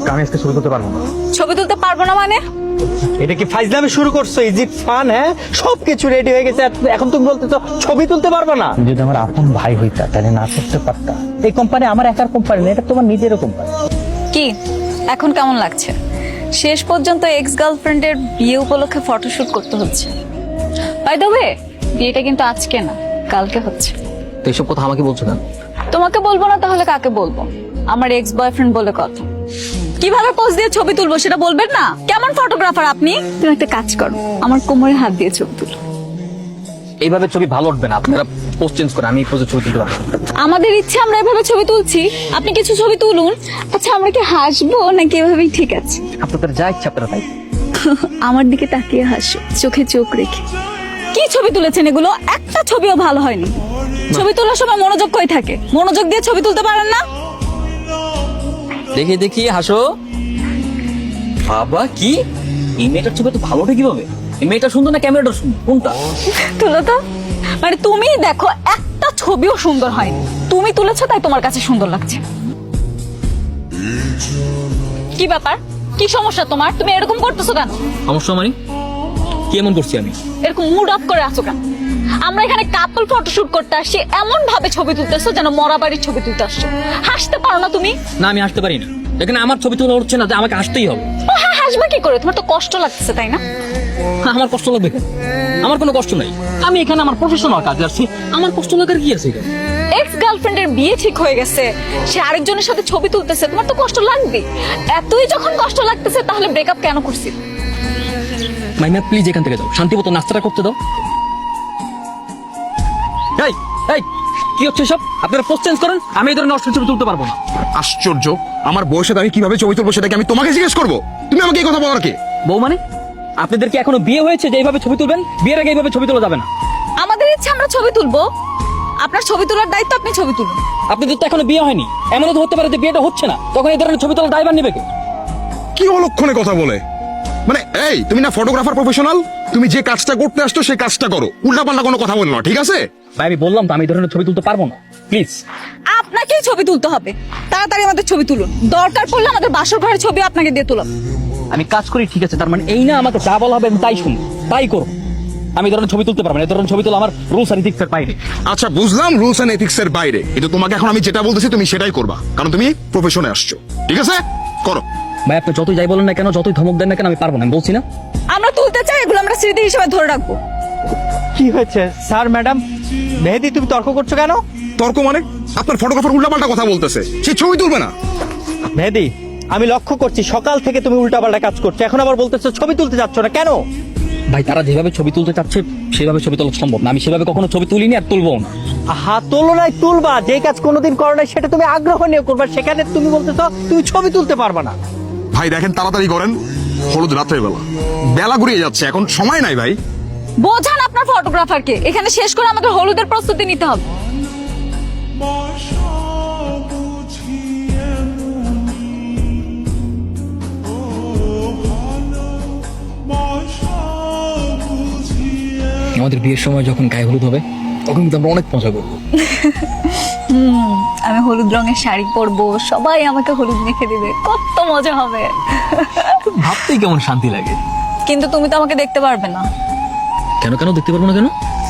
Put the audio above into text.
আমি আজকে ছবি তুলতে পারবো না। ছবি তুলতে পারবো না মানে? এটা কি ফাইজলামি শুরু করছো? Is it fun? হ্যাঁ, সবকিছু রেডি হয়ে গেছে, এখন তুমি বলতেছো ছবি তুলতে পারবে না? যদি আমার আপন ভাই হইতা তাহলে না করতে পারতা। এই কোম্পানি আমার একার কোম্পানি না, এটা তোমার নিজেরও কোম্পানি। কি এখন কেমন লাগছে? শেষ পর্যন্ত এক্স গার্লফ্রেন্ডের বিয়ে উপলক্ষে ফটোশুট করতে হচ্ছে। বাই দ্য ওয়ে, বিয়েটা কিন্তু আজকে না, কালকে হচ্ছে। তো এইসব কথা আমাকে বলছো কেন? তোমাকে বলবো না তাহলে কাকে বলবো? আমার এক্স বয়ফ্রেন্ড বলে কথা। কিভাবে পোজ দিয়ে ছবি তুলবো সেটা বলবেন না? কেমন ফটোগ্রাফার আপনি? তুমি একটা কাজ করো, আমার কোমরে হাত দিয়ে ছবি তুলো। এইভাবে ছবি ভালো উঠবে না, আপনারা পোস্ট চেঞ্জ করে আমি এই পোজে ছবি তুলতে পারবো না। আমাদের ইচ্ছে আমরা এভাবে ছবি তুলছি, আপনি কিছু ছবি তুলুন। আচ্ছা আমরা কি হাসবো নাকি এভাবেই ঠিক আছে? আপনাদের যা ইচ্ছা আপনারা তাই। আমার দিকে তাকিয়ে হাসো, চোখে চোখ রেখে। কি ছবি তুলেছেন এগুলো? একটা ছবিও ভালো হয়নি। ছবি তোলার সময় মনোযোগ কই থাকে? মনোযোগ দিয়ে ছবি তুলতে পারেন না? দেখি দেখি হাসো। বাবা কি এই মেয়েটার ছবি তো ভালো ওঠে কিভাবে? এই মেয়েটা সুন্দর না ক্যামেরাটা সুন্দর, কোনটা? তুলো তো। মানে তুমি দেখো একটা ছবিও সুন্দর হয়নি, তুমি তুলেছো তাই তোমার কাছে সুন্দর লাগছে। কি ব্যাপার? কি সমস্যা তোমার? তুমি এরকম করতেছো কেন? সমস্যা মানে কি এমন করছি আমি? এরকম মুড অফ করে আছো কেন? আমরা এখানে কাপল ফটোশুট করতে আসছি, এমন ভাবে ছবি তুলতেছো যেন মরা বাড়ির ছবি তুলতে আসছো। হাসতে পারো না তুমি? না আমি হাসতে পারি না, এখানে আমার ছবি তোলা হচ্ছে না যে আমাকে হাসতেই হবে। ও হ্যাঁ, হাসবে কি করে? তোমার তো কষ্ট লাগতেছে তাই না? আমার কষ্ট লাগবে কেন? আমার কোনো কষ্ট নাই, আমি এখানে আমার প্রফেশনাল কাজে আসছি, আমার কষ্ট লাগার কি আছে এখানে? এক্স গার্লফ্রেন্ডের বিয়ে ঠিক হয়ে গেছে, সে আরেকজনের সাথে ছবি তুলতেছে, তোমার তো কষ্ট লাগবে। এতই যখন কষ্ট লাগতেছে তাহলে ব্রেকআপ কেন করছি? মাইমা প্লিজ এখান থেকে যাও, শান্তি মতো নাস্তাটা করতে দাও। এই এই কি হচ্ছে সব? আপনারা পোস্ট চেঞ্জ করেন, আমি এই ধরনের অশ্লীল ছবি তুলতে পারবো না। আশ্চর্য, আমার বউয়ের সাথে আমি কিভাবে ছবি তুলবো সেটা কি আমি তোমাকে জিজ্ঞেস করবো? তুমি আমাকে এই কথা বলার কে? বউ মানে? আপনাদের কি এখনো বিয়ে হয়েছে যে এইভাবে ছবি তুলবেন? বিয়ের আগে এইভাবে ছবি তোলা যাবে না। আমাদের ইচ্ছে আমরা ছবি তুলবো, আপনার ছবি তোলার দায়িত্ব, আপনি ছবি তুলুন। আপনাদের তো এখনো বিয়ে হয়নি, এমনও তো হতে পারে যে বিয়েটা হচ্ছে না, তখন এই ধরনের ছবি তোলা দায়ভার নেবে কে? কি অলক্ষণে কথা বলে? মানে এই তুমি না ফটোগ্রাফার প্রফেশনাল, তুমি যে কাজটা করতে আসছো সেই কাজটা করো, উল্টাপাল্টা কোনো কথা বলো না, ঠিক আছে? ভাই আমি বললাম তো আমি এই ধরনের ছবি তুলতে পারবো না, প্লিজ। আপনাকেই ছবি তুলতে হবে, তাড়াতাড়ি আমাদের ছবি তুলুন। দরকার পড়লে আমাদের বাসর ঘরের ছবি আপনাকে দিয়ে তুলাম। আমি কাজ করি ঠিক আছে, তার মানে এই না আমাকে যা বলা হবে আমি তাই শুনি, তাই করো। আমি এই ধরনের ছবি তুলতে পারবো না, এই ধরনের ছবি তোলা আমার রুলস আর ইথিক্সের বাইরে। আচ্ছা বুঝলাম রুলস এন্ড এথিক্স এর বাইরে, কিন্তু তোমাকে এখন আমি যেটা বলতেছি তুমি সেটাই করবা, কারণ তুমি প্রফেশনে আসছো, ঠিক আছে? করো। ভাই আপনি যতই যাই বলেন না কেন, যতই ধমক দেন না কেন, আমি পারবো না, আমি বলছি না। আমরা তুলতে চাই, এগুলো আমরা স্মৃতি হিসেবে ধরে রাখবো। কি হয়েছে স্যার? ম্যাডাম মেহেদি, তুমি তর্ক করছো কেন? তর্ক মানে? আপনার ফটোগ্রাফার উল্টাপাল্টা কথা বলতেছে, সে ছবি তুলবে না। মেহেদি, আমি লক্ষ্য করছি সকাল থেকে তুমি উল্টাপাল্টা কাজ করছো, এখন আবার বলতেছো ছবি তুলতে যাচ্ছ না কেন? ভাই তারা যেভাবে ছবি তুলতে চাচ্ছে সেভাবে ছবি তোলা সম্ভব না, আমি সেভাবে কখনো ছবি তুলিনি আর তুলবো না। তুলনায় তুলবা, যে কাজ কোনোদিন করো না সেটা তুমি আগ্রহ নিয়ে করবা, সেখানে তুমি বলতেছো তুমি ছবি তুলতে পারবা না। ভাই দেখেন তাড়াতাড়ি করেন, হলুদ রাত্রের বেলা, বেলা ঘুরিয়ে যাচ্ছে, এখন সময় নাই ভাই। বোঝান আপনার ফটোগ্রাফারকে, এখানে শেষ করে আমাদের হলুদের প্রস্তুতি নিতে হবে। আমাদের বিয়ের সময় যখন গায়ে হলুদ হবে তখন কিন্তু আমরা অনেক মজা করবো। আমি হলুদ রঙের শাড়ি পরবো, সবাই আমাকে হলুদ মেখে দিবে, কত মজা হবে। ভাবতেই কেমন শান্তি লাগে। কিন্তু তুমি তো আমাকে দেখতে পারবে না। কেন কেন দেখতে পারবো না কেন?